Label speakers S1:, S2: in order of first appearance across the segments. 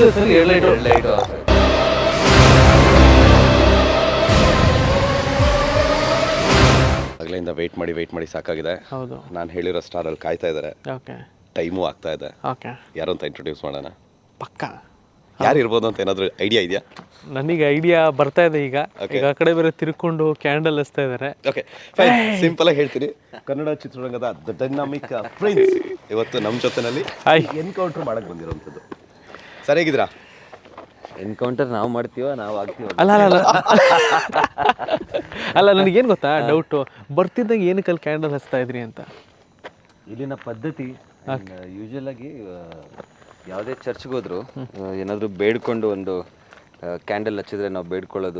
S1: ದಿವಸದಲ್ಲಿ 2 light.
S2: Light
S3: ಆಗಲಿಂದ weight ಮಾಡಿ ಸಾಕಾಗಿದೆ.
S1: ಹೌದು.
S3: ನಾನು ಹೇಳಿರೋ ಸ್ಟಾರಲ್ಲಿ ಕಾಯ್ತಾ ಇದ್ದಾರೆ.
S1: ಓಕೆ
S3: ಟೈಮು ಆಗ್ತಾ ಇದೆ.
S1: ಓಕೆ
S3: ಯಾರು ಅಂತ ಇಂಟ್ರೊಡ್ಯೂಸ್ ಮಾಡೋಣ.
S1: ಪಕ್ಕ
S3: ಯಾರು ಇರ್ಬೋದು ಅಂತ ಏನಾದರೂ ಐಡಿಯಾ ಇದೆಯಾ?
S1: ನನಗೆ ಐಡಿಯಾ ಬರ್ತಾ ಇದೆ ಈಗ. ಈಗ ಆ ಕಡೆ ಬೇರೆ ತಿರ್ಕೊಂಡು ಕ್ಯಾಂಡಲ್ ಹಚ್ತಾ ಇದ್ದಾರೆ.
S3: ಓಕೆ ಫೈನ್, ಸಿಂಪಲ್ ಆಗಿ ಹೇಳ್ತೀನಿ. ಕನ್ನಡ ಚಿತ್ರರಂಗದ ದ ಡೈನಾಮಿಕ್ ಪ್ರಿನ್ಸ್ ಇವತ್ತು ನಮ್ಮ ಜೊತೆನಲ್ಲಿ ಎನ್ಕೌಂಟರ್ ಮಾಡಕ್ಕೆ ಬಂದಿರೋಂಥದ್ದು. ಸರ್ ಹೇಗಿದ್ದೀರಾ?
S2: ಎನ್ಕೌಂಟರ್ ನಾವು ಮಾಡ್ತೀವ, ನಾವು ಆಗ್ತೀವ.
S1: ಅಲ್ಲ ಅಲ್ಲ ಅಲ್ಲ ನನಗೇನು ಗೊತ್ತಾ ಡೌಟು, ಬರ್ತಿದ್ದಾಗ ಏನಕ್ಕೆ ಅಲ್ಲಿ ಕ್ಯಾಂಡಲ್ ಹಚ್ತಾ ಇದ್ರಿ ಅಂತ.
S2: ಇಲ್ಲಿನ ಪದ್ಧತಿ ಯೂಶುವಲ್ ಆಗಿ ಯಾವುದೇ ಚರ್ಚ್ಗೆ ಹೋದ್ರು ಏನಾದರೂ ಬೇಡ್ಕೊಂಡು ಒಂದು ಕ್ಯಾಂಡಲ್ ಹಚ್ಚಿದ್ರೆ ನಾವು ಬೇಡ್ಕೊಳ್ಳೋದು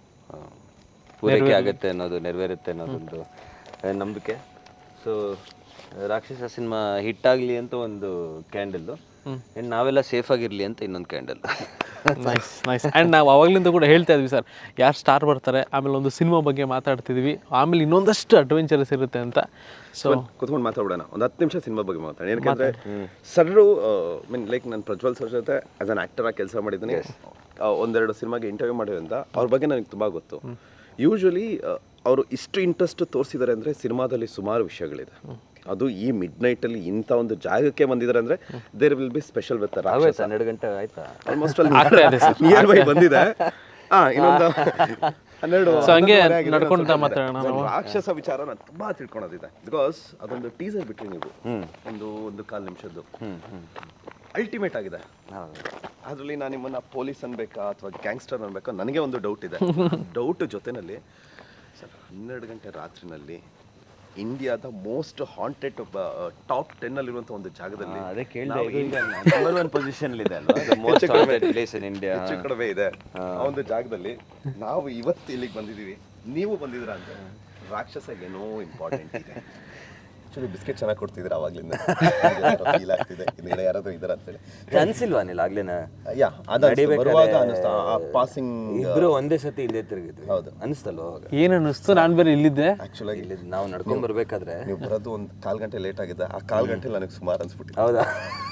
S2: ಪೂರೈಕೆ ಆಗುತ್ತೆ ಅನ್ನೋದು, ನೆರವೇರುತ್ತೆ ಅನ್ನೋದೊಂದು ನಂಬಿಕೆ. ಸೊ ರಾಕ್ಷಸ ಸಿನಿಮಾ ಹಿಟ್ಟಾಗಲಿ ಅಂತ ಒಂದು ಕ್ಯಾಂಡಲ್ಲು, ಆ್ಯಂಡ್ ನಾವೆಲ್ಲ ಸೇಫ್ ಆಗಿರಲಿ ಅಂತ ಇನ್ನೊಂದು ಕ್ಯಾಂಡಲ್.
S1: Nice nice. ಆ್ಯಂಡ್ ನಾವು ಅವಾಗಲಿಂದ ಕೂಡ ಹೇಳ್ತಾ ಇದ್ವಿ ಸರ್, ಯಾರು ಸ್ಟಾರ್ ಬರ್ತಾರೆ, ಆಮೇಲೆ ಒಂದು ಸಿನಿಮಾ ಬಗ್ಗೆ ಮಾತಾಡ್ತಿದ್ವಿ, ಆಮೇಲೆ ಇನ್ನೊಂದಷ್ಟು ಅಡ್ವೆಂಚರಸ್ ಇರುತ್ತೆ ಅಂತ. ಸೊ
S3: ಕುತ್ಕೊಂಡು ಮಾತಾಡೋಣ ಒಂದು 10 ನಿಮಿಷ ಸಿನಿಮಾ ಬಗ್ಗೆ ಮಾತಾಡೋಣ. ಏನಕ್ಕೆ ಸರ್ರು ಮೀನ್ ಲೈಕ್ ನಾನು ಪ್ರಜ್ವಲ್ ಸರ್ ಜೊತೆ ಆ್ಯಸ್ ಅನ್ ಆ್ಯಕ್ಟರ್ ಆಗಿ ಕೆಲಸ ಮಾಡಿದ್ದೀನಿ. ಒಂದೆರಡು ಸಿನಿಮಾಗೆ ಇಂಟರ್ವ್ಯೂ ಮಾಡಿದ್ರಿಂದ ಅವ್ರ ಬಗ್ಗೆ ನನಗೆ ತುಂಬ ಗೊತ್ತು. ಯೂಶ್ವಲಿ ಅವರು ಇಷ್ಟು ಇಂಟ್ರೆಸ್ಟ್ ತೋರಿಸಿದ್ದಾರೆ ಅಂದರೆ ಸಿನಿಮಾದಲ್ಲಿ ಸುಮಾರು ವಿಷಯಗಳಿದೆ. ಅದು ಈ ಮಿಡ್ ನೈಟಲ್ಲಿ ಇಂಥ ಒಂದು ಜಾಗಕ್ಕೆ ಬಂದಿದ್ದಾರೆ ಅಂದರೆ there will be special with
S2: 12 ಗಂಟೆ ಆಯ್ತಾ?
S3: ಆಲ್ಮೋಸ್ಟ್ ಅಲ್ಲಿ ನಿಯರ್ ಬೈ ಬಂದಿದೆ. ಇನ್ನೊಂದು 12
S1: ಹಂಗೆ ನಡ್ಕೊಂತ ಮಾತಾಡೋಣ.
S3: ರಾಕ್ಷಸ ವಿಚಾರ ನಾನು ತುಂಬಾ ತಿಳ್ಕೊಳೋದಿದೆ. ಬಿಕಾಸ್ ಅದೊಂದು ಟೀಸರ್ ಬಿಟ್ರಿ ನೀವು, ಒಂದು 1/4 ನಿಮಿಷದ್ದು ಅಲ್ಟಿಮೇಟ್ ಆಗಿದೆ. ಅದರಲ್ಲಿ ನಾನು ನಿಮ್ಮನ್ನ ಪೊಲೀಸ್ ಅನ್ಬೇಕಾ ಅಥವಾ ಗ್ಯಾಂಗ್ಸ್ಟರ್ ಅನ್ಬೇಕಾ ನನಗೆ ಒಂದು ಡೌಟ್ ಇದೆ. ಡೌಟ್ ಜೊತೆನಲ್ಲಿ ಸರ್ 12 ಗಂಟೆ ರಾತ್ರಿನಲ್ಲಿ ಇಂಡಿಯಾದ ಮೋಸ್ಟ್ ಹಾಂಟೆಡ್ ಟಾಪ್ 10 ಅಲ್ಲಿರುವಂಥ ಒಂದು ಜಾಗದಲ್ಲಿ
S2: ಅದೇ ಕೇಳಿದೆ, ನಂಬರ್ 1 ಪೊಸಿಷನ್ ಇದೆ ಅಲ್ವಾ, most haunted place in India,
S3: ಹೆಚ್ಚು ಕಡಿಮೆ ಇದೆ ಆ ಒಂದು ಜಾಗದಲ್ಲಿ ನಾವು ಇವತ್ತು ಇಲ್ಲಿಗೆ ಬಂದಿದ್ದೀವಿ. ನೀವು ಬಂದಿದ್ದೀರಾ ಅಂತ ರಾಕ್ಷಸ ಏನೋ ಇಂಪಾರ್ಟೆಂಟ್ ಇದೆ. ಆಕ್ಚುಲಿ ಬಿಸ್ಕೆಟ್ ಚೆನ್ನಾಗಿ ಕೊಡ್ತಿದ್ರೆ ಅವಾಗ್ಲಿಂದ ಫೀಲ್ ಆಗ್ತಿದೆ ಹಿಂದ್ಗಡೆ ಯಾರಾದ್ರೂ ಇದಾರೆ ಅಂತೇಳಿ.
S2: ಅನ್ಸಿಲ್ವಾ ನೀನು ಆಗ್ಲೇನ?
S3: ಬರುವಾಗ ಅನಿಸ್ತಾ ಆ ಪಾಸಿಂಗ್
S2: ಇಬ್ರು ಒಂದೇ ಸತಿ ಹಿಂದೆ ತಿರುಗಿದ್ವಿ.
S3: ಹೌದು
S2: ಅನಿಸ್ತಲ್ವ? ಅವಾಗ
S1: ಏನು ಅನ್ನಿಸ್ತು, ನಾನು ಬೇರೆ ಇಲ್ಲಿದ್ದೆ.
S3: ಆಕ್ಚುಲಾಗಿ
S2: ಇಲ್ಲಿ ನಾವು ನಡ್ಕೊಂಡ್ ಬರ್ಬೇಕಾದ್ರೆ
S3: ನೀವು ಬರೋದು ಒಂದು 1/4 ಗಂಟೆ ಲೇಟ್ ಆಗಿದೆ. ಆ 1/4 ಗಂಟೆ ನನಗೆ ಸುಮಾರು ಅನ್ಸ್ಬಿಟ್ಟಿದೆ.
S2: ಹೌದಾ?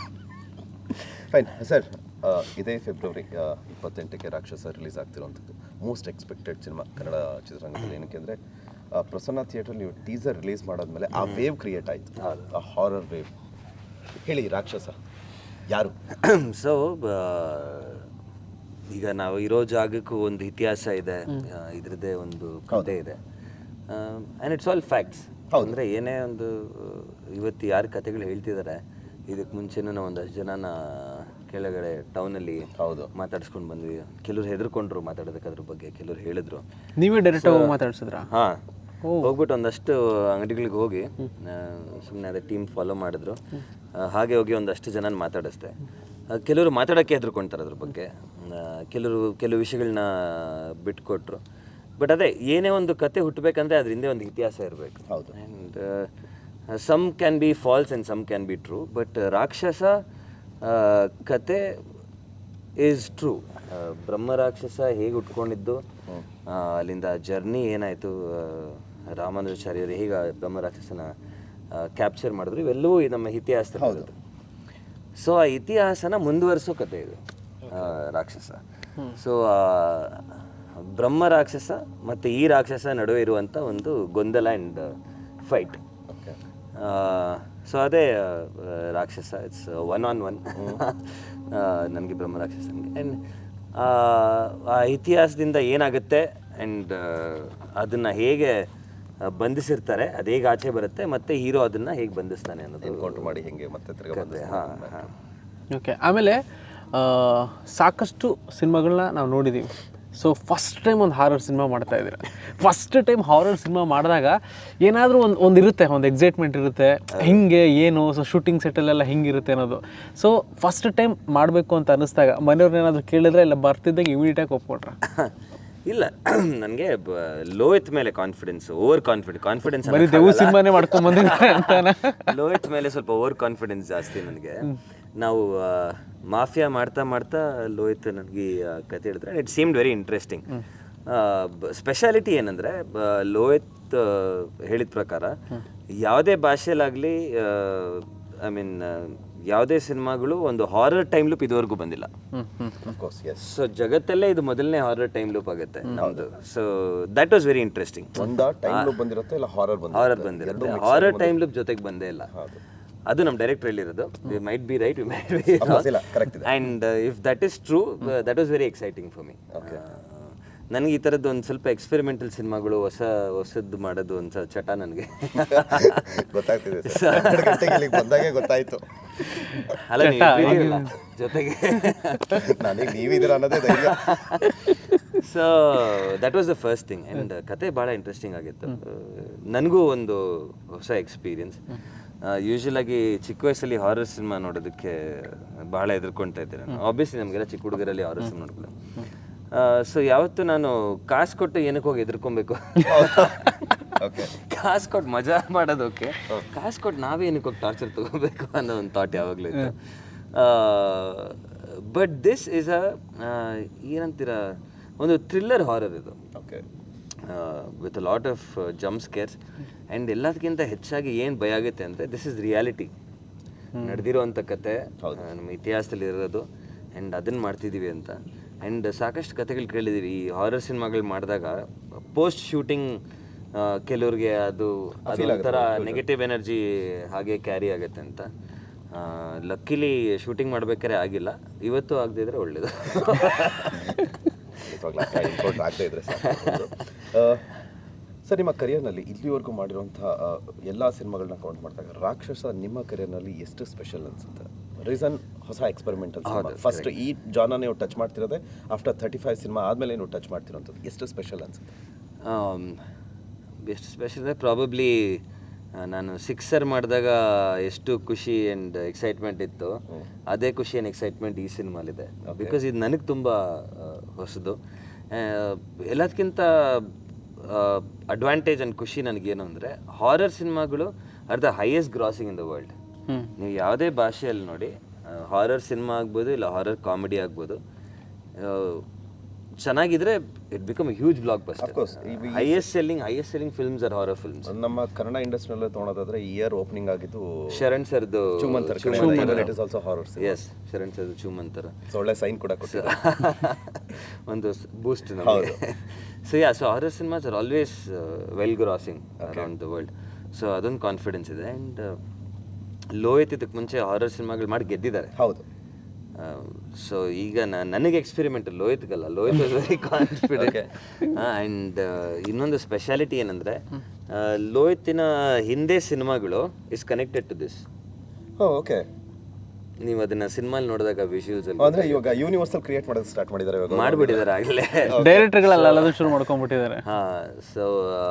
S3: ಫೈನ್ ಸರ್, ಇದೇ ಫೆಬ್ರವರಿ 28ಕ್ಕೆ ರಾಕ್ಷಸ ರಿಲೀಸ್ ಆಗ್ತಿರೋಂಥದ್ದು ಮೋಸ್ಟ್ ಎಕ್ಸ್ಪೆಕ್ಟೆಡ್ ಸಿನಿಮಾ ಕನ್ನಡ ಚಿತ್ರರಂಗದಲ್ಲಿ. ಏನಕ್ಕೆ ಅಂದರೆ ಪ್ರಸನ್ನ ಥಿಯೇಟರ್ ನೀವು ಟೀಸರ್ ರಿಲೀಸ್ ಮಾಡಾದ್ಮೇಲೆ ಆ ವೇವ್ ಕ್ರಿಯೇಟ್ ಆಯಿತು, ಆ ಹಾರರ್ ವೇವ್. ಹೇಳಿ ರಾಕ್ಷಸ ಯಾರು?
S2: ಸೊ ಈಗ ನಾವು ಇರೋ ಜಾಗಕ್ಕೂ ಒಂದು ಇತಿಹಾಸ ಇದೆ, ಇದ್ರದ್ದೇ ಒಂದು ಕಥೆ ಇದೆ, ಆ್ಯಂಡ್ ಇಟ್ಸ್ ಆಲ್ ಫ್ಯಾಕ್ಟ್ಸ್. ಅಂದರೆ ಏನೇ ಒಂದು ಇವತ್ತು ಯಾರು ಕಥೆಗಳು ಹೇಳ್ತಿದ್ದಾರೆ, ಇದಕ್ಕೆ ಮುಂಚೆನೂ ನಾವು ಒಂದಷ್ಟು ಜನನ ಕೆಳಗಡೆ ಟೌನಲ್ಲಿ ಮಾತಾಡ್ಸ್ಕೊಂಡು ಬಂದ್ವಿ. ಕೆಲವ್ರು ಹೆದರ್ಕೊಂಡ್ರು ಮಾತಾಡೋದಕ್ಕೆ ಅದ್ರ ಬಗ್ಗೆ, ಕೆಲವ್ರು ಹೇಳಿದ್ರು.
S1: ನೀವೇ ಡೈರೆಕ್ಟ್ ಮಾತಾಡ್ಸಿದ್ರಾ?
S2: ಹಾಂ, ಹೋಗ್ಬಿಟ್ಟು ಒಂದಷ್ಟು ಅಂಗಡಿಗಳಿಗೆ ಹೋಗಿ ಸುಮ್ಮನೆ ಅದೇ ಟೀಮ್ ಫಾಲೋ ಮಾಡಿದ್ರು. ಹಾಗೆ ಹೋಗಿ ಒಂದಷ್ಟು ಜನ ಮಾತಾಡಿಸ್ದೆ. ಕೆಲವರು ಮಾತಾಡೋಕ್ಕೆ ಹೆದರ್ಕೊಳ್ತಾರೆ ಅದ್ರ ಬಗ್ಗೆ, ಕೆಲವು ವಿಷಯಗಳನ್ನ ಬಿಟ್ಕೊಟ್ರು. ಬಟ್ ಅದೇ ಏನೇ ಒಂದು ಕತೆ ಹುಟ್ಟಬೇಕಂದ್ರೆ ಅದ್ರ ಹಿಂದೆ ಒಂದು ಇತಿಹಾಸ ಇರಬೇಕು. And some can be false and some can be true. But Rakshasa ಕತೆ ಈಸ್ ಟ್ರೂ. ಬ್ರಹ್ಮ ರಾಕ್ಷಸ ಹೇಗೆ ಉಟ್ಕೊಂಡಿದ್ದು, ಅಲ್ಲಿಂದ ಜರ್ನಿ ಏನಾಯಿತು, ರಾಮಾನುಜಾಚಾರ್ಯರು ಹೇಗೆ ಬ್ರಹ್ಮ ರಾಕ್ಷಸನ ಕ್ಯಾಪ್ಚರ್ ಮಾಡಿದ್ರು, ಇವೆಲ್ಲವೂ ನಮ್ಮ ಇತಿಹಾಸದಲ್ಲಿ. ಸೊ ಆ ಇತಿಹಾಸನ ಮುಂದುವರಿಸೋ ಕತೆ ಇದು ರಾಕ್ಷಸ. ಸೊ ಬ್ರಹ್ಮ ರಾಕ್ಷಸ ಮತ್ತು ಈ ರಾಕ್ಷಸ ನಡುವೆ ಇರುವಂಥ ಒಂದು ಗೊಂದಲ ಆ್ಯಂಡ್ ಫೈಟ್. ಸೊ ಅದೇ ರಾಕ್ಷಸ. ಇಟ್ಸ್ 1-on-1 ನನಗೆ ಬ್ರಹ್ಮ ರಾಕ್ಷಸನಿಗೆ. ಆ್ಯಂಡ್ ಆ ಇತಿಹಾಸದಿಂದ ಏನಾಗುತ್ತೆ ಆ್ಯಂಡ್ ಅದನ್ನು ಹೇಗೆ ಬಂಧಿಸಿರ್ತಾರೆ, ಅದು ಹೇಗೆ ಆಚೆ ಬರುತ್ತೆ, ಮತ್ತು ಹೀರೋ ಅದನ್ನು ಹೇಗೆ ಬಂಧಿಸ್ತಾನೆ ಅನ್ನೋದು
S3: ಎನ್ಕೌಂಟರ್ ಮಾಡಿ ಹೇಗೆ ಮತ್ತೆ ತಿರ್ಗಿ.
S1: ಓಕೆ. ಆಮೇಲೆ ಸಾಕಷ್ಟು ಸಿನಿಮಾಗಳನ್ನ ನಾವು ನೋಡಿದ್ದೀವಿ. ಸೊ ಫಸ್ಟ್ ಟೈಮ್ ಒಂದು ಹಾರರ್ ಸಿನಿಮಾ ಮಾಡ್ತಾ ಇದ್ದೀರ. ಫಸ್ಟ್ ಟೈಮ್ ಹಾರರ್ ಸಿನಿಮಾ ಮಾಡಿದಾಗ ಏನಾದರೂ ಒಂದು ಇರುತ್ತೆ, ಒಂದು ಎಕ್ಸೈಟ್ಮೆಂಟ್ ಇರುತ್ತೆ, ಹಿಂಗೆ ಏನು ಸೊ ಶೂಟಿಂಗ್ ಸೆಟ್ಟಲ್ಲೆಲ್ಲ ಹಿಂಗಿರುತ್ತೆ ಅನ್ನೋದು. ಸೊ ಫಸ್ಟ್ ಟೈಮ್ ಮಾಡಬೇಕು ಅಂತ ಅನ್ನಿಸ್ದಾಗ ಮನೆಯವ್ರನ್ನ ಏನಾದರೂ ಕೇಳಿದ್ರೆ ಇಲ್ಲ ಬರ್ತಿದ್ದಾಗ ಇಮಿಡಿಯೇಟಾಗಿ ಒಪ್ಕೊಟ್ರ?
S2: ಇಲ್ಲ, ನನಗೆ ಲೋಹಿತ್ ಮೇಲೆ ಓವರ್ ಕಾನ್ಫಿಡೆನ್ಸ್
S1: ಸಿನಿಮಾನೇ ಮಾಡ್ಕೊಂಡ್ ಬಂದಿದ್ದೆ ಅಂತಾನೆ.
S2: ಲೋಹಿತ್ ಮೇಲೆ ಸ್ವಲ್ಪ ಓವರ್ ಕಾನ್ಫಿಡೆನ್ಸ್ ಜಾಸ್ತಿ ನನಗೆ. ನಾವು ಮಾಫಿಯಾ ಮಾಡ್ತಾ ಲೋಹಿತ್ ನನಗೆ ಕತೆ ಹೇಳಿದ್ರೆ it seemed very interesting. Speciality ಏನಂದರೆ ಲೋಹಿತ್ ಹೇಳಿದ ಪ್ರಕಾರ ಯಾವುದೇ ಭಾಷೆಯಲ್ಲಾಗಲಿ, ಐ ಮೀನ್ ಯಾವುದೇ ಸಿನಿಮಾಗಳು ಒಂದು ಹಾರರ್ ಟೈಮ್ ಲೂಪ್ ಇದುವರೆಗೂ ಬಂದಿಲ್ಲ.
S3: Of course S.
S2: ಸೊ ಜಗತ್ತಲ್ಲೇ ಇದು ಮೊದಲನೇ ಹಾರರ್ ಟೈಮ್ ಲೂಪ್ ಆಗುತ್ತೆ ನಮ್ಮದು. So that was very interesting.
S3: Time loop ಬಂದಿರುತ್ತೆ ಇಲ್ಲ ಹಾರರ್
S2: ಬಂದಿರುತ್ತೆ. ಹಾರರ್ ಟೈಮ್ ಲೂಪ್ ಜೊತೆಗೆ ಬಂದೇ ಇಲ್ಲ. ಅದು ನಮ್ಮ ಡೈರೆಕ್ಟರ್ ಹೇಳಿರೋದು. We might be right, we might be wrong. And if that is true, that was very exciting for me. ನನಗೆ ಈ ಥರದ್ದು ಒಂದು ಸ್ವಲ್ಪ ಎಕ್ಸ್ಪೆರಿಮೆಂಟಲ್ ಸಿನಿಮಾಗಳು ಹೊಸದ್ದು ಮಾಡೋದು ಒಂದು ಚಟ ನನಗೆ
S3: ಗೊತ್ತಾಗ್ತಿದೆ ಬಂದಾಗೆ ಗೊತ್ತಾಯ್ತು.
S2: ಅಲ್ಲ ನೀವು ಜೊತೆಗೆ
S3: ನನಗೆ ನೀವಿದ್ದೀರ ಅನ್ನೋದೇ ಧೈರ್ಯ.
S2: So that was the first thing. And ಕತೆ ಭಾಳ ಇಂಟ್ರೆಸ್ಟಿಂಗ್ ಆಗಿತ್ತು. ನನಗೂ ಒಂದು ಹೊಸ ಎಕ್ಸ್ಪೀರಿಯನ್ಸ್. ಯೂಶ್ವಲಾಗಿ ಚಿಕ್ಕ ವಯಸ್ಸಲ್ಲಿ ಹಾರರ್ ಸಿನಿಮಾ ನೋಡೋದಕ್ಕೆ ಭಾಳ ಹೆದರ್ಕೊಳ್ತಾ ಇದ್ದೆ ನಾನು. ಆಬ್ವಿಯಸ್ಲಿ ನಮಗೆಲ್ಲ ಚಿಕ್ಕ ಹುಡುಗರಲ್ಲಿ ಹಾರರ್ ಸಿನಿಮಾ ನೋಡ್ಬೋದು. ಸೊ ಯಾವತ್ತು ನಾನು ಕಾಸು ಕೊಟ್ಟು ಏನಕ್ಕೆ ಹೋಗಿ ಎದುರ್ಕೊಬೇಕು, ಕಾಸು ಕೊಟ್ಟು ಮಜಾ ಮಾಡೋದಕ್ಕೆ, ಕಾಸು ಕೊಟ್ಟು ನಾವೇ ಏನಕ್ಕೆ ಹೋಗಿ ಟಾರ್ಚರ್ ತೊಗೋಬೇಕು ಅನ್ನೋ ಒಂದು ಥಾಟ್ ಯಾವಾಗಲೂ ಇತ್ತು. ಬಟ್ ದಿಸ್ ಈಸ್ ಏನಂತೀರ, ಒಂದು ಥ್ರಿಲ್ಲರ್ ಹಾರರ್ ಇದು, with a lot of jump scares. And ಎಲ್ಲದಕ್ಕಿಂತ ಹೆಚ್ಚಾಗಿ ಏನು ಭಯ ಆಗುತ್ತೆ ಅಂದರೆ ದಿಸ್ ಇಸ್ ರಿಯಾಲಿಟಿ, ನಡೆದಿರೋವಂಥ ಕತೆ, ನಮ್ಮ ಇತಿಹಾಸದಲ್ಲಿ ಇರೋದು. ಆ್ಯಂಡ್ ಅದನ್ನು ಮಾಡ್ತಿದ್ದೀವಿ ಅಂತ. ಆ್ಯಂಡ್ ಸಾಕಷ್ಟು ಕತೆಗಳು ಕೇಳಿದ್ದೀವಿ ಈ ಹಾರರ್ ಸಿನಿಮಾಗಳು ಮಾಡಿದಾಗ. ಪೋಸ್ಟ್ ಶೂಟಿಂಗ್ ಕೆಲವ್ರಿಗೆ ಅದೊಂಥರ ನೆಗೆಟಿವ್ ಎನರ್ಜಿ ಹಾಗೆ ಕ್ಯಾರಿ ಆಗುತ್ತೆ ಅಂತ. ಲಕ್ಕಿಲಿ ಶೂಟಿಂಗ್ ಮಾಡ್ಬೇಕಾದ್ರೆ ಆಗಿಲ್ಲ. ಇವತ್ತು ಆಗದೆ ಇದ್ರೆ ಒಳ್ಳೇದು.
S3: ಆಗದೆ ಇದ್ರೆ ಸರ್, ನಿಮ್ಮ ಕರಿಯರ್ನಲ್ಲಿ ಇಲ್ಲಿವರೆಗೂ ಮಾಡಿರುವಂಥ ಎಲ್ಲ ಸಿನಿಮಾಗಳನ್ನ ಕೌಂಟ್ ಮಾಡಿದಾಗ ರಾಕ್ಷಸ ನಿಮ್ಮ ಕರಿಯರ್ನಲ್ಲಿ ಎಷ್ಟು ಸ್ಪೆಷಲ್ ಅನ್ಸುತ್ತೆ? ರೀಸನ್ ಹೊಸ ಎಕ್ಸ್ಪೆರಿಮೆಂಟಲ್ ಸಿನಿಮಾ. ಫಸ್ಟ್ ಈ ಜಾನ ನೀವು ಟಚ್ ಮಾಡ್ತಿರೋದೆ ಆಫ್ಟರ್ 35 ಸಿನಿಮಾ ಆದಮೇಲೆ ನೀವು ಟಚ್ ಮಾಡ್ತಿರೋಂಥದ್ದು. ಎಷ್ಟು ಸ್ಪೆಷಲ್ ಅನ್ಸುತ್ತೆ?
S2: ಎಷ್ಟು ಸ್ಪೆಷಲ್ ಅಂದರೆ ಪ್ರಾಬಬ್ಲಿ ನಾನು ಸಿಕ್ಸರ್ ಮಾಡಿದಾಗ ಎಷ್ಟು ಖುಷಿ ಆ್ಯಂಡ್ ಎಕ್ಸೈಟ್ಮೆಂಟ್ ಇತ್ತು, ಅದೇ ಖುಷಿ ಆ್ಯಂಡ್ ಎಕ್ಸೈಟ್ಮೆಂಟ್ ಈ ಸಿನಿಮಾಲಿದೆ. ಬಿಕಾಸ್ ಇದು ನನಗೆ ತುಂಬ ಹೊಸದು. ಎಲ್ಲದಕ್ಕಿಂತ ಅಡ್ವಾಂಟೇಜ್ ಆ್ಯಂಡ್ ಖುಷಿ ನನಗೇನು ಅಂದರೆ, ಹಾರರ್ ಸಿನಿಮಾಗಳು are the highest grossing in the world. ನೀವು ಯಾವುದೇ ಭಾಷೆಯಲ್ಲಿ ನೋಡಿ, ಹಾರರ್ ಸಿನಿಮಾ ಆಗ್ಬೋದು ಇಲ್ಲ ಹಾರರ್ ಕಾಮಿಡಿ ಆಗ್ಬೋದು, ಚೆನ್ನಾಗಿದ್ರೆ it become huge blockbuster. Highest selling films are horror films.
S3: ನಮ್ಮ ಕನ್ನಡ ಇಂಡಸ್ಟ್ರಿಯಲ್ಲೇ ತೊಗೊಳೋದಾದ್ರೆ ಇಯರ್ ಓಪನಿಂಗ್ ಆಗಿದ್ದು
S2: ಶರಣ್ ಸರ್ದು
S3: Choomantar. It is also horror.
S2: Yes, Sharan ಸರ್ದು ಚೂಮಂತರ
S3: ಒಳ್ಳೆ ಸೈನ್ ಕೂಡ ಕೊಟ್ಟಿದ್ದಾರೆ,
S2: ಒಂದು ಬೂಸ್ಟ್ ನಮಗೆ. So ya, so horror cinemas are always well grossing around the world. So ಅದೊಂದು ಕಾನ್ಫಿಡೆನ್ಸ್ ಇದೆ. ಆ್ಯಂಡ್ ಲೋಹಿತ್ ಇದಕ್ಕೆ ಮುಂಚೆ ಹಾರರ್ ಸಿನಿಮಾಗಳು ಮಾಡಿ ಗೆದ್ದಿದ್ದಾರೆ.
S3: ಹೌದು.
S2: ಸೊ ಈಗ ನನಗೆ ಎಕ್ಸ್ಪೆರಿಮೆಂಟ್, ಲೋಹಿತ್ಗಲ್ಲ, Lohith was very confident. And ಇನ್ನೊಂದು ಸ್ಪೆಷಾಲಿಟಿ ಏನಂದರೆ, ಲೋಹಿತಿನ ಹಿಂದೆ ಸಿನಿಮಾಗಳು is connected to this.
S3: Okay.
S2: ನೀವು ಅದನ್ನ ಸಿನಿಮಾಲ್ ನೋಡಿದಾಗ ವಿಷುವಲ್ಸ್ ಅಲ್ಲಿ
S3: ಅಂದ್ರೆ ಇವಾಗ ಯೂನಿವರ್ಸಲ್ ಕ್ರಿಯೇಟ್ ಮಾಡೋದು ಸ್ಟಾರ್ಟ್ ಮಾಡಿದ್ದಾರೆ, ಇವಾಗ
S2: ಮಾಡಿಬಿಟ್ಟಿದ್ದಾರೆ ಆಗಲೇ.
S1: ಡೈರೆಕ್ಟರ್ಗಳೆಲ್ಲ ಎಲ್ಲದೂ ಶುರು ಮಾಡ್ಕೊಂಡ್ಬಿಟ್ಟಿದ್ದಾರೆ.
S2: ಹಾಂ. ಸೊ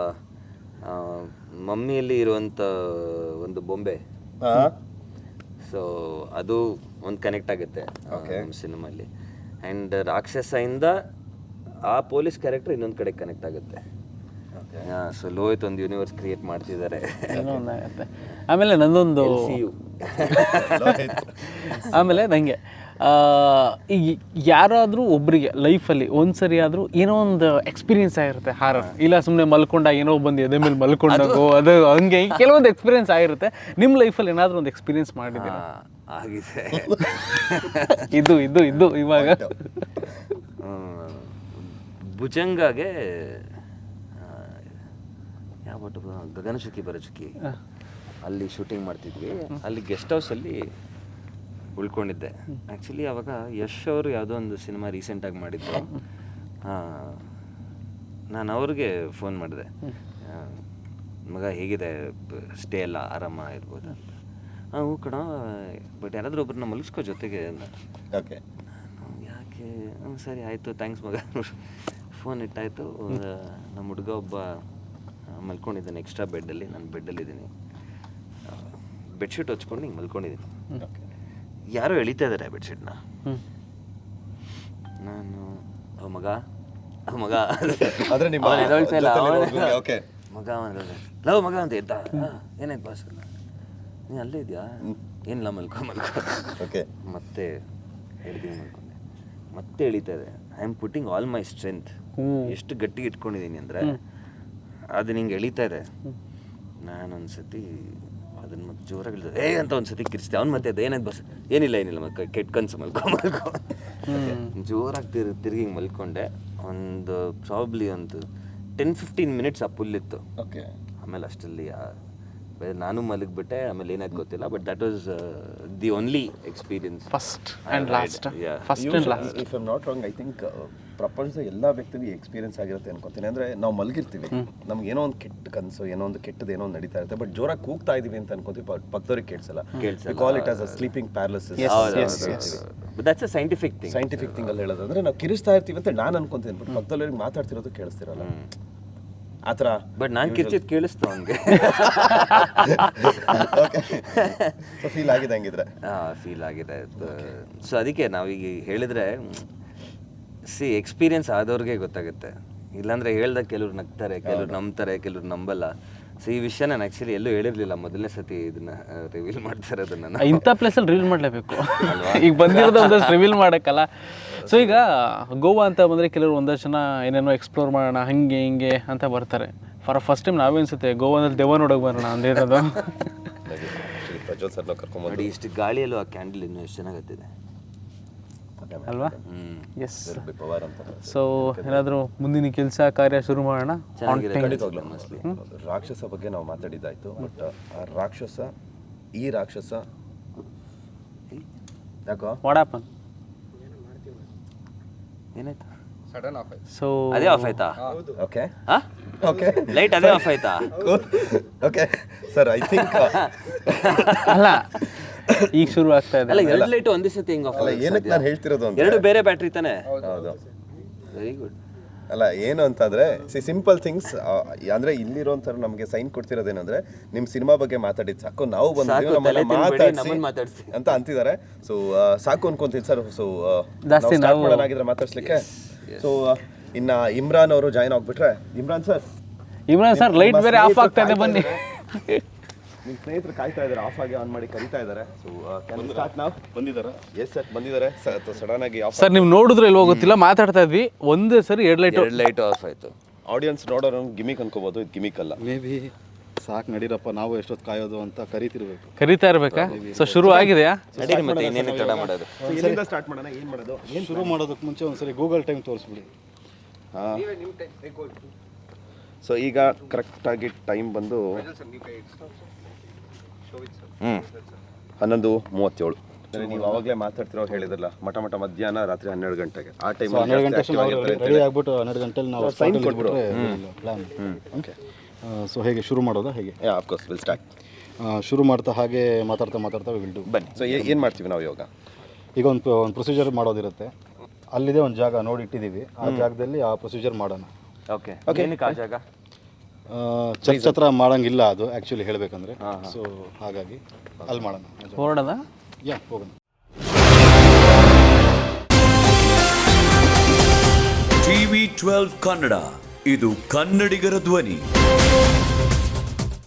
S2: ಮಮ್ಮಿಯಲ್ಲಿ ಇರುವಂಥ ಒಂದು ಬೊಂಬೆ, ಸೊ ಅದು ಒಂದು ಕನೆಕ್ಟ್ ಆಗುತ್ತೆ ನಮ್ಮ ಸಿನಿಮಾಲಿ. ಆ್ಯಂಡ್ ರಾಕ್ಷಸದಿಂದ ಆ ಪೊಲೀಸ್ ಕ್ಯಾರೆಕ್ಟರ್ ಇನ್ನೊಂದು ಕಡೆ ಕನೆಕ್ಟ್ ಆಗುತ್ತೆ. ಸೊ ಲೋಹಿತ್ ಒಂದು ಯೂನಿವರ್ಸ್ ಕ್ರಿಯೇಟ್ ಮಾಡ್ತಿದ್ದಾರೆ.
S1: ಆಮೇಲೆ ನಂದೊಂದು ಆಮೇಲೆ ನನಗೆ ಈಗ ಯಾರಾದರೂ ಒಬ್ಬರಿಗೆ ಲೈಫಲ್ಲಿ ಒಂದು ಸರಿ ಆದರೂ ಏನೋ ಒಂದು ಎಕ್ಸ್ಪೀರಿಯನ್ಸ್ ಆಗಿರುತ್ತೆ ಹಾರರ್. ಇಲ್ಲ ಸುಮ್ಮನೆ ಮಲ್ಕೊಂಡ ಏನೋ ಬಂದು ಎದೆ ಮೇಲೆ ಮಲ್ಕೊಂಡಾಗೋ ಅದು ಹಂಗೆ ಕೆಲವೊಂದು ಎಕ್ಸ್ಪೀರಿಯನ್ಸ್ ಆಗಿರುತ್ತೆ. ನಿಮ್ಮ ಲೈಫಲ್ಲಿ ಏನಾದರೂ ಒಂದು ಎಕ್ಸ್ಪೀರಿಯನ್ಸ್ ಮಾಡಿದ್ದೀರಾ?
S2: ಆಗಿದೆ.
S1: ಇದು ಇವಾಗ
S2: ಭುಜಂಗಾಗೆ ಯಾವ ಗಗನಚುಕ್ಕಿ ಬರಚುಕ್ಕಿ ಅಲ್ಲಿ ಶೂಟಿಂಗ್ ಮಾಡ್ತಿದ್ವಿ. ಅಲ್ಲಿ ಗೆಸ್ಟ್ ಹೌಸಲ್ಲಿ ಉಳ್ಕೊಂಡಿದ್ದೆ. ಆ್ಯಕ್ಚುಲಿ ಅವಾಗ ಯಶ್ ಅವರು ಯಾವುದೋ ಒಂದು ಸಿನಿಮಾ ರೀಸೆಂಟಾಗಿ ಮಾಡಿದ್ರು. ನಾನು ಅವ್ರಿಗೆ ಫೋನ್ ಮಾಡಿದೆ, ಮಗ ಹೇಗಿದೆ, ಸ್ಟೇ ಎಲ್ಲ ಆರಾಮ ಇರ್ಬೋದು ಅಂತ. ಹ್ಞೂ ಕಣ, ಬಟ್ ಯಾರಾದರೂ ಒಬ್ಬರನ್ನ ಮಲಗಿಸ್ಕೋ ಜೊತೆಗೆ ಅಂದ.
S3: ಓಕೆ.
S2: ಯಾಕೆ? ಸರಿ ಆಯಿತು, ಥ್ಯಾಂಕ್ಸ್ ಮಗ. ಫೋನ್ ಇಟ್ಟಾಯಿತು. ನಮ್ಮ ಹುಡುಗ ಒಬ್ಬ ಮಲ್ಕೊಂಡಿದ್ದಾನೆ ಎಕ್ಸ್ಟ್ರಾ ಬೆಡ್ಡಲ್ಲಿ, ನಾನು ಬೆಡ್ಡಲ್ಲಿದ್ದೀನಿ. ಬೆಡ್ಶೀಟ್ ಹೊಚ್ಕೊಂಡು ಹಿಂಗೆ ಮಲ್ಕೊಂಡಿದ್ದೀನಿ. ಯಾರೋ ಎಳಿತಾ ಇದ್ದಾರೆ ಬೆಡ್ಶೀಟ್ನ. ನಾನು ಮಗ
S3: ಅಂದ್ರೆ ನಿಮ್ಮ
S2: ಎದೊಳ್ತಾ ಇಲ್ಲ.
S3: ಓಕೆ.
S2: ಮಗ ಲವ್ ಮಗ ಅಂತ ಎದ್ದ. ಏನಾಯ್ತು ಬಾಸ್? ನೀನು ಅಲ್ಲೇ ಇದೆಯಾ? ಏನಿಲ್ಲ, ಮಲ್ಕೊ.
S3: ಓಕೆ.
S2: ಮತ್ತೆ ಎಳ್ದು ಮಲ್ಕೊಂಡೆ. ಮತ್ತೆ ಎಳಿತಾ ಇದೆ. I am putting all my strength. ಎಷ್ಟು ಗಟ್ಟಿಗೆ ಇಟ್ಕೊಂಡಿದ್ದೀನಿ ಅಂದರೆ ಅದು ನಿಂಗೆ ಎಳಿತಾ ಇದೆ. ನಾನೊಂದ್ಸತಿ ಅದನ್ನು ಮತ್ತೆ ಜೋರಾಗಿ ಅಂತ ಒಂದು ಸತಿ ಕಿರಿಸ್ದೆ. ಅವ್ನು ಮತ್ತೆ ಅದೇನಾಯ್ತು ಬಸ್, ಏನಿಲ್ಲ ಮತ್ತೆ ಕೆಟ್ಟ ಕನಸು ಮಲ್ಕೊ ಜೋರಾಗಿ ತಿರುಗಿ ಮಲ್ಕೊಂಡೆ. ಒಂದು ಪ್ರಾಬ್ಲಿ ಒಂದು 10-15 ಮಿನಿಟ್ಸ್ ಆ ಪುಲ್ಲಿತ್ತು.
S3: ಓಕೆ.
S2: ಆಮೇಲೆ ಅಷ್ಟರಲ್ಲಿ ನಾನು ಮಲಗಿಬಿಟ್ಟೆ. ಆಮೇಲೆ ಏನಾಯ್ತು ಗೊತ್ತಿಲ್ಲ, but that was the only experience.
S1: First and last.
S3: If I'm not wrong, I think ಪ್ರಪಂಚದ ಎಲ್ಲ ವ್ಯಕ್ತಿಗೂ ಎಕ್ಸ್ಪೀರಿಯನ್ಸ್ ಆಗಿರುತ್ತೆ ಅನ್ಕೋತೀನಿ. ಅಂದರೆ ನಾವು ಮಲಗಿರ್ತೀವಿ, ನಮ್ಗೆ ಏನೋ ಒಂದು ಕೆಟ್ಟ ಕನಸು, ಏನೋ ಒಂದು ಕೆಟ್ಟದ್ದು ಏನೋ ಒಂದು ನಡೀತಾ ಇರುತ್ತೆ, ಬಟ್ ಜೋರಾಗಿ ಕೂಗ್ತಾ ಇದೀವಿ ಅಂತ ಅನ್ಕೋತೀವಿ, ಪಕ್ಕದವ್ರಿಗೆ ಕೇಳಿಸಲ್ಲ. Call it as a sleeping paralysis.
S2: That's a scientific
S3: thing ಅಲ್ಲಿ ಹೇಳೋದಂದ್ರೆ ನಾವು ಕಿರಿಸ್ತಾ ಇರ್ತೀವಿ ಅಂತ ನಾನು ಅನ್ಕೊಂತೀನಿ, ಬಟ್ ಪಕ್ಕದವ್ರಿಗೆ ಮಾತಾಡ್ತಿರೋದು ಕೇಳಿಸ್ತಿರಲ್ಲ ಆ ಥರ.
S2: ಬಟ್ ನಾನು ಕಿರ್ಚಿದ್ದು ಕೇಳಿಸ್ತು ಅವನಿಗೆ.
S3: ಫೀಲ್ ಆಗಿದೆ ಹಂಗಿದ್ರೆ?
S2: ಫೀಲ್ ಆಗಿದೆ. ಸೊ ಅದಕ್ಕೆ ನಾವೀಗ ಹೇಳಿದ್ರೆ ಎಕ್ಸ್ಪೀರಿಯನ್ಸ್ ಆದವ್ರಿಗೆ ಗೊತ್ತಾಗುತ್ತೆ. ಇಲ್ಲಾಂದ್ರೆ ಹೇಳ್ದಾಗ ಕೆಲವ್ರು ನಗ್ತಾರೆ, ಕೆಲವ್ರು ನಂಬ್ತಾರೆ, ಕೆಲವ್ರು ನಂಬಲ್ಲ. ಸೊ ಈ ವಿಷಯ ನಾನು ಆ್ಯಕ್ಚುಲಿ ಎಲ್ಲೂ ಹೇಳಿರಲಿಲ್ಲ, ಮೊದಲನೇ ಸತಿ ಇದನ್ನ ರಿವೀಲ್ ಮಾಡ್ತಾರೆ ಅದನ್ನು.
S1: ಇಂಥ ಪ್ಲೇಸಲ್ಲಿ ರಿವೀಲ್ ಮಾಡಲೇಬೇಕು. ಈಗ ಬಂದಿರೋದು ಒಂದಷ್ಟು ರಿವೀಲ್ ಮಾಡೋಕ್ಕಲ್ಲ. ಸೊ ಈಗ ಗೋವಾ ಅಂತ ಬಂದರೆ ಕೆಲವರು ಒಂದಷ್ಟು ಜನ ಏನೇನೋ ಎಕ್ಸ್ಪ್ಲೋರ್ ಮಾಡೋಣ ಹಂಗೆ ಹಿಂಗೆ ಅಂತ ಬರ್ತಾರೆ. ಫಸ್ಟ್ ಟೈಮ್ ನಾವೇ ಅನ್ಸುತ್ತೆ ಗೋವಾದಲ್ಲಿ ದೆವ್ವ ನೋಡೋಕೆ ಬರೋಣ ಅಂದಿರೋದು.
S3: ಪ್ರಜ್ವಲ್ ಸರ್ನ ಕರ್ಕೊಂಬಂದು
S2: ನೋಡಿ, ಇಷ್ಟು ಗಾಳಿಯಲ್ಲೂ ಆ ಕ್ಯಾಂಡಲ್ ಇನ್ನೂ ಎಷ್ಟು ಚೆನ್ನಾಗತ್ತಿದೆ
S1: ಅಲ್ವಾ? ಎಸ್.
S3: ಪವರ್ ಅಂತ.
S1: ಸೊ ಏನಾದರೂ ಮುಂದಿನ ಕೆಲಸ ಕಾರ್ಯ ಶುರು ಮಾಡೋಣ.
S3: ರಾಕ್ಷಸ ಬಗ್ಗೆ ನಾವು ಮಾತಾಡಿದ್ದಾಯ್ತು, ಬಟ್ ಆ ರಾಕ್ಷಸ, ಈ ರಾಕ್ಷಸ ಯಾಕೋ
S1: ವಾಡಾಪನ್
S2: ಏನಾಯ್ತು?
S4: ಸಡನ್ ಆಫ್ ಆಯ್ತು.
S1: ಸೊ
S2: ಅದೇ ಆಫ್ ಆಯ್ತಾ?
S3: ಓಕೆ
S2: ಹಾ,
S3: ಓಕೆ,
S2: ಲೈಟ್ ಅದೇ ಆಫ್ ಆಯ್ತಾ?
S3: ಓಕೆ ಸರ್, ಐ ಥಿಂಕ್
S1: ಅಲ್ಲ ಈಗ ಶುರು ಆಗ್ತಾ ಇದೆ.
S2: ಅಲ್ಲ, ಎರಡು ಲೈಟ್ ಒಂದೇ ಸತಿ ಹೆಂಗ್ ಆಫ್?
S3: ಅಲ್ಲ, ಏನಕ್ಕೆ ನಾನು ಹೇಳ್ತಿರೋದು ಅಂತ,
S2: ಎರಡು ಬೇರೆ ಬ್ಯಾಟ್ರಿ ತಾನೆ?
S3: ಹೌದು.
S2: Very good.
S3: ಅಲ್ಲ, ಏನು ಅಂತಂದ್ರೆ ಸಿಂಪಲ್ ಥಿಂಗ್ಸ್. ಅಂದ್ರೆ ಇಲ್ಲಿರೋಂಥರ ನಮಗೆ ಸೈನ್ ಕೊಡ್ತಿರೋದೇನಂದ್ರೆ ನಿಮ್ಮ ಸಿನಿಮಾ ಬಗ್ಗೆ ಮಾತಾಡಿದ್ ಸಾಕು, ನಾವು ಬಂದಿದ್ದೀವಿ
S2: ನಮ್ಮನ್ನ ಮಾತಾಡ್ಸಿ
S3: ಅಂತ ಅಂತಿದ್ದಾರೆ. ಸೊ ಸಾಕು ಅನ್ಕೊಂತೀನಿ ಸರ್. ಸೊ
S1: ಜಾಸ್ತಿ
S3: ಸ್ಟಾರ್ಟ್ ಮಾಡೋಣಾಗಿದ್ರೆ ಮಾತಾಡ್ಸ್ಲಿಕ್ಕೆ. ಸೊ ಇನ್ನ ಇಮ್ರಾನ್ ಅವರು ಜಾಯ್ನ್ ಆಗ್ಬಿಟ್ರೆ. ಇಮ್ರಾನ್ ಸರ್
S1: ಲೈಟ್ ಬೇರೆ ಆಫ್ ಆಗ್ತಾ ಇದೆ, ಬನ್ನಿ.
S3: ನಿಮ್ಮ ಸ್ನೇಹಿತರು ಕಾಯ್ತಾ ಇದ್ದಾರೆ, ಆಫ್ ಆಗಿ ಆನ್ ಮಾಡಿ ಕರೀತಾ ಇದ್ದಾರೆ. ಸೊ ಸ್ಟಾರ್ಟ್ ನಾವು ಬಂದಿದ್ದಾರೆ. ಎಸ್ ಸರ್, ಬಂದಿದ್ದಾರೆ. ಸಡನ್ ಆಗಿ ಆಫ್.
S1: ಸರ್ ನೀವು ನೋಡಿದ್ರೆ ಇಲ್ವೋ ಗೊತ್ತಿಲ್ಲ, ಮಾತಾಡ್ತಾ ಇದ್ವಿ, ಒಂದೇ ಸರಿ ಎರಡು
S2: ಲೈಟ್ ಆಫ್ ಆಯ್ತು.
S3: ಆಡಿಯನ್ಸ್ ನೋಡೋರು ಗಿಮಿಕ್ ಅನ್ಕೋಬಹುದು, ಇದು ಗಿಮಿಕ್ ಅಲ್ಲ.
S4: ಮೇ ಬಿ ಸಾಕು ನಡೀರಪ್ಪ, ನಾವು ಎಷ್ಟೊತ್ತು ಕಾಯೋದು ಅಂತ
S1: ಕರೀತಾ ಇರ್ಬೇಕಾ? ಸೊ ಶುರು ಆಗಿದೆಯಾ?
S2: ನಡೀರಿ, ಮತ್ತೆ ಇನ್ನೇನು ತಡ ಮಾಡೋದು?
S3: ಎಲ್ಲಿಂದ ಸ್ಟಾರ್ಟ್ ಮಾಡೋಣ? ಏನು ಮಾಡೋದು?
S4: ಶುರು ಮಾಡೋದಕ್ಕೆ ಮುಂಚೆ ಒಂದ್ಸರಿ ಗೂಗಲ್ ಟೈಮ್ ತೋರಿಸ್ಬಿಡಿ.
S3: ಹಾಂ. ಸೊ ಈಗ ಕರೆಕ್ಟಾಗಿ ಟೈಮ್ ಬಂದು 11:37. ನೀವು ಅವಾಗಲೇ ಮಾತಾಡ್ತಿರೋ ಹೇಳಿದ್ರಲ್ಲ, ಮಠ ಮಧ್ಯಾಹ್ನ ರಾತ್ರಿ 12 ಗಂಟೆಗೆ. ಆ ಟೈಮ್
S4: 12 ಗಂಟೆ ರೆಡಿ ಆಗ್ಬಿಟ್ಟು 12 ಗಂಟೆಲಿ ನಾವು
S3: ಸೈನ್ ಕೊಟ್ಬಿಟ್ಟು
S4: ಪ್ಲಾನ್. ಓಕೆ. ಸೊ ಹೇಗೆ ಶುರು ಮಾಡೋದಾ? ಹೇಗೆ?
S3: Of course will start.
S4: ಶುರು ಮಾಡ್ತಾ ಹಾಗೆ ಮಾತಾಡ್ತಾ ವಿಲ್ ಡು.
S3: ಬನ್ನಿ. ಸೊ ಏನು ಮಾಡ್ತೀವಿ ನಾವು ಇವಾಗ?
S4: ಈಗ ಒಂದು ಪ್ರೊಸೀಜರ್ ಮಾಡೋದಿರುತ್ತೆ. ಅಲ್ಲಿದೆ ಒಂದು ಜಾಗ ನೋಡಿ ಇಟ್ಟಿದ್ದೀವಿ, ಆ ಜಾಗದಲ್ಲಿ ಆ ಪ್ರೊಸೀಜರ್ ಮಾಡೋಣ.
S2: ಓಕೆ. ಏನಕ್ಕೆ ಆ ಜಾಗ?
S4: ಚರ್ಚ್ ಹತ್ರ ಮಾಡೋಂಗಿಲ್ಲ ಅದು ಆ್ಯಕ್ಚುಲಿ ಹೇಳಬೇಕಂದ್ರೆ. ಸೊ ಹಾಗಾಗಿ ಅಲ್ಲಿ ಮಾಡೋಣ.
S1: ಹೊರಡೋದ?
S4: ಯಾ, ಹೋಗೋಣ.
S5: TV12 ಕನ್ನಡ, ಇದು ಕನ್ನಡಿಗರ ಧ್ವನಿ.